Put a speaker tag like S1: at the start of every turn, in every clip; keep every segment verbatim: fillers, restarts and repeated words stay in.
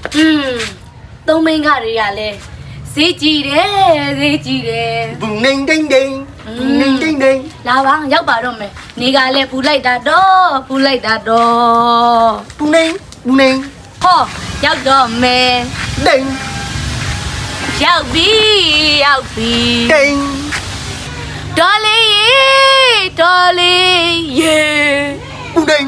S1: อืมသုံးမင်းကတွေကလည်းဈေးကြည့်တယ်ဈေးကြည့်တယ်
S2: Bùng ninh đinh đinh Bùng ninh đinh đinh
S1: လာပါရောက်ပါတော့မယ်နေကလည်းဖူလိုက်တာတော့ဖူလိုက်တာတော့
S2: Bùng ninh Bùng ninh
S1: ဟောရောက်တော့မယ်
S2: Đinh
S1: ရောက်ပြီရောက်ပြီ
S2: Đinh
S1: တော်လေးရေတော်လေးရေ
S2: Bùng ninh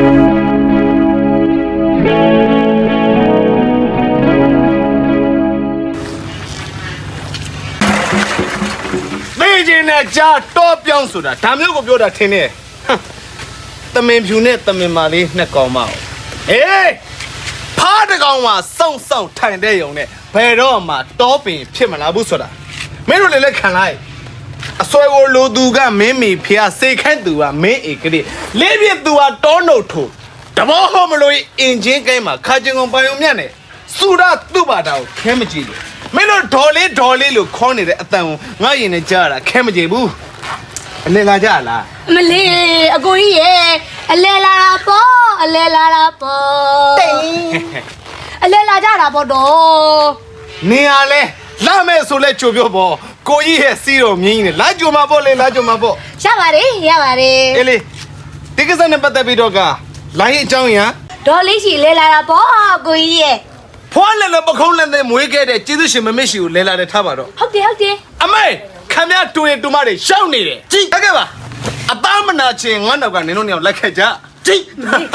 S2: Bây giờ này cha to biang sụt à, tham nhớ có biểu đạt thế này, tầm mình phiêu này tầm mình mà đi nè con mạo, ê, phá được con mà song song thành đây dùng này, bây giờ mà to bị phiền mà làm bút sụt à, mấy đứa này khăn lại, xoay ô lô du ga mấy mì phía xây khăn du à mấy cái gì, lấy việc du à to nổ thủ, đâm vào hôm rồi engine cái mà khai chân ông bao nhiêu này, sụt à tu bà đầu, kém gì vậy? Mấy nó đỏ lê đỏ lê lúc con này đấy tao ngay nhìn này chơi là kém gì bu lên là chơi là
S1: မလေးအကိုကြီးရေအလဲလာတာပေါ့အလဲလာတာပေါ့အလဲလာကြတာပေါ့တော့
S2: နေရလဲလာမဲ့ဆိုလဲကြိုပြောပေါ့ကိုကြီးရဲ့စီးတော်မြင်းကြီးနဲ့လာကြိုမှာပေါ့လေလာကြိုမှာပေါ့
S1: ရပါတယ်ရပါတယ်
S2: အေးလေဒီကိစ္စနဲ့ပတ်သက်ပြီးတော့ကလိုင်းအကြောင်းရ
S1: ဒေါ်လေးရှိလဲလာတာပေါ့အကိုကြီးရေ
S2: ဖွားလည်းလည်းပခုံးလည်းလည်းမွေးခဲ့တဲ့ကျေးဇူးရှင်မမစ်ရှိကိုလဲလာတဲ့ထားပါတော့
S1: ဟုတ်တယ်ဟုတ်တယ်
S2: အမေခမရတူရင်တူမတွေရှောက်နေတယ်ကြည့်တကယ်ပါအသားမနာချင်းငါနောက်ကနင်တို့နှစ်ယောက်လိုက်ခဲ့ကြကြည့်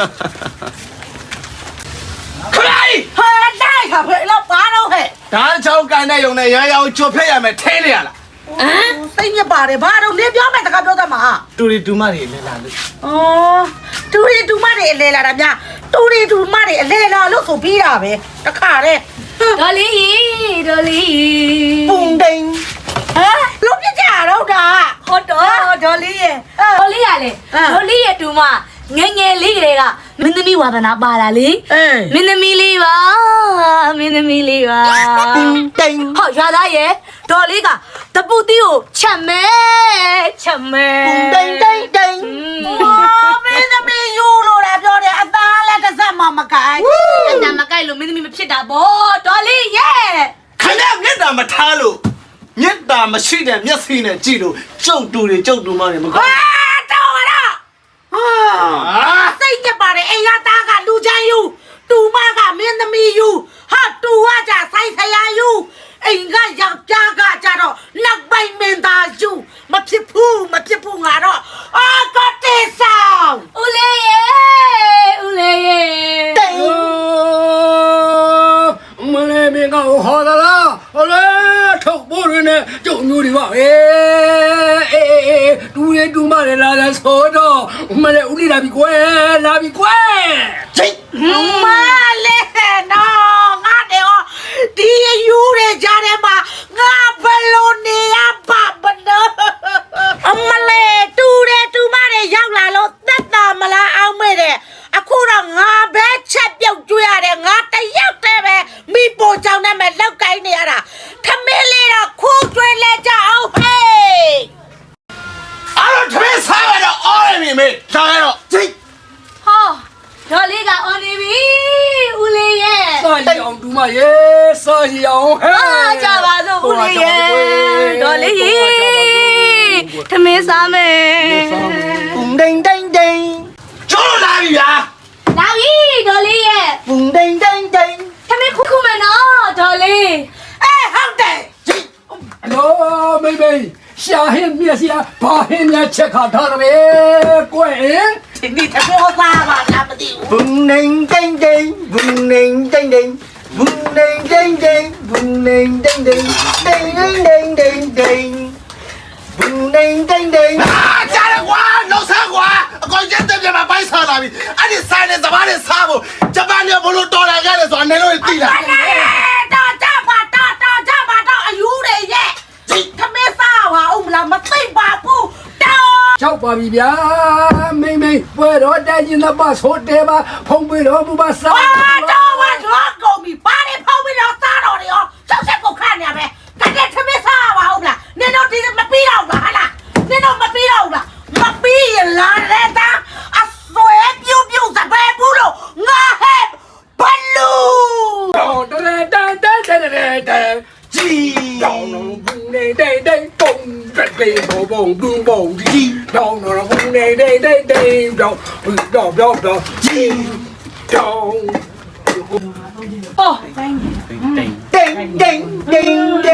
S2: ခလိုက်
S3: ဟာတိုက်ခါဖေးလောက်ပါတော့ဟဲ့
S2: ဒါချောင်းကန်တဲ့ယုံနဲ့ရရအောင်ချွတ်ဖက်ရမယ်ထဲနေရလား
S3: ဟမ်စိတ်ညစ်ပါတယ်ဘာတော့နေပြောမယ်တခါပြောတတ်မှာ
S2: တူရီတူမတွေလဲလာလို့
S3: ဩတူရီတူမတွေအလဲလာတာများတူရီတူမတွေအလဲလာလို့ဆိုပြီးတာပဲတခါတဲ့
S1: ဒေါ်လေးရေဒေါ်လေးရေ
S2: ပုံတိန်
S3: ဟမ်လုံးပြကြတော့တာ
S1: ဟုတ်တော့ဒေါ်လေးရေဒေါ်လေးရလေဒေါ်လေးရတူမငယ်ငယ်လေးကလေးကမင်းသမီးဝါသနာပါလာလေ
S3: အေး
S1: မင်းသမီးလေးပါမင်းသမီးလေးပါ
S2: ပုံတိန်
S1: ဟောရွာသားရဲ့ဒေါ်လေးကတပူတီကိုချက်မဲချက်မဲ
S2: ပုံတိန်တိန်တိန်
S3: အော်မင်းသမီးယူလို့လားပြောတယ်အသားလည်းတစ်စက်မှမကိုင်
S1: အတမကိုက်လို့မင်းသမီးမဖြစ်တာဗောဒေါ်လေးရဲ့
S2: ခဏမျက်တာမထားလို့မျက်တာမရှိတဲ့မျက်စိနဲ့ကြည့်လို့ကျုပ်တူတွေကျုပ်တူမတွေမကော
S3: ဟာ
S2: င်း
S3: တော့ရတော့ဟာစိတ်ညစ်ပါတယ်အိမ်ကသားကလူချမ်းယူတူမကမင်းသမီးယူဟာတူကကြဆိုင်ဆရာယူအိမ်ကယောက်ျားကကြတော့နောက်ပိုင်မင်းသားယူမဖြစ်ဘူးမဖြစ်ဘူးငါတော့အာကတေဆောင်
S1: ဦးလေးရဲ့ဦးလေးရဲ့
S2: တိန်
S4: မလေးမင်းကဟောသလားဟောလေထုတ်ဖို့ရင်းနဲ့ကျုံမျိုးတွေပါအေးအေးအေးတူရတူမရလာတဲ့ဆိုတော့မလေးဦးလေးလာပြီကွယ်လာပြီကွယ်
S2: ကြည့်
S3: မလေးနော်ငါတဲ့ဒီယူရကြတယ်မှာငါဘလို့နေရပါမနော်အမလေးတူတယ်တူမတယ်ရောက်လာလို့သက်တာမလားအောင်မဲ့တဲ့အခုတော့ငါပဲချက်ပြုတ်ကျွေးရတယ်ငါတယောက်တည်းပဲမိပိုကြောင့်နဲ့မဲ့လောက်ကိုင်းနေရတာခမင်းလေးတော့ခိုးကျွေးလဲကြအောင်ဟေး
S2: အဲ့တော့သမီးစားရတော့အော်ရမီမေစားရတော့ကြည့်
S1: ဟောဒေါ်လေးကအော်နေပြီဦးလေးရဲ့
S4: စာရီအောင်တူမရေစာရီအောင်ဟဲ့
S1: အားကြပါစို့ဦးလေးရဲ့ဒေါ်လေးရေသမင်းစားမယ်
S2: ပုံတိန်တိန်တိန်ကျိုးလာပြီဗျာ
S1: လာပြီဒေါ်လေးရဲ့
S2: ပုံတိန်တိန်တိန်
S1: သမင်းခုခုမယ်နော်ဒေါ်လေး
S3: အေးဟုတ်တယ်
S2: ကြည့်
S4: အလောမေမေရှာဟင်းမြက်စီဘာဟင်းမြက်ချက်ခါထားတယ်ကွယ်
S3: ဒီနေ့တပြောသားပါလားမသိဘူး
S2: ပုံတိန်တိန်တိန်ပုံတိန်တိန်တိန်ပုံတိန်တိန်တိန်ပုံတိန်တိန်တိန်တိန်တိန်တိန်တိန်တိန်ပုံတိန်တိန်တိန်အာကြားရကွာလောက်စားကွာအကောင်ကျတဲ့ပြန်မပိုက်စားလာပြီအဲ့ဒီဆိုင်နဲ့စပားနဲ့စားဖို့ဂျပန်ကဘလို့တော်လာကြတယ်ဆိုတာနေလို့သိလား
S3: တော့ကြပါတော့တော့ကြပါတော့အယူတွေရဲ့ခမင်းစားပါဦးမလားမသိပါဘူးတော့
S4: ချောက်ပါပြီဗျာမိမိပွဲတော်တိုင်းကျင်တဲ့ပတ်ဆိုတဲပါဖုံးပြီးတော့ဘူပါစား
S3: ဟာတော့ဝါတော့ကုန်ပြီပါနေဖောက်ပြီးတော့စားတော့တယ်ရောချက်ချက်ကိုခန့်နေရမယ်တကယ်ခမင်းစားပါဦးမလားနင်တို့ဒီမပြီးတော့လားဟာလားနင်တို့မပြီးတော့လားမပြီးရင်လာတဲ့တာအဆွဲပြုတ်ပြုတ်စပယ်ဘူးလို့ငါဟဲ့ဘလူး
S4: ဘောဘောဒူဘောဒီတောင်းတော့ဘူးနေနေနေနေတော့တော့တော့တော့ဒီတောင်း
S3: 哦，叮叮叮叮叮。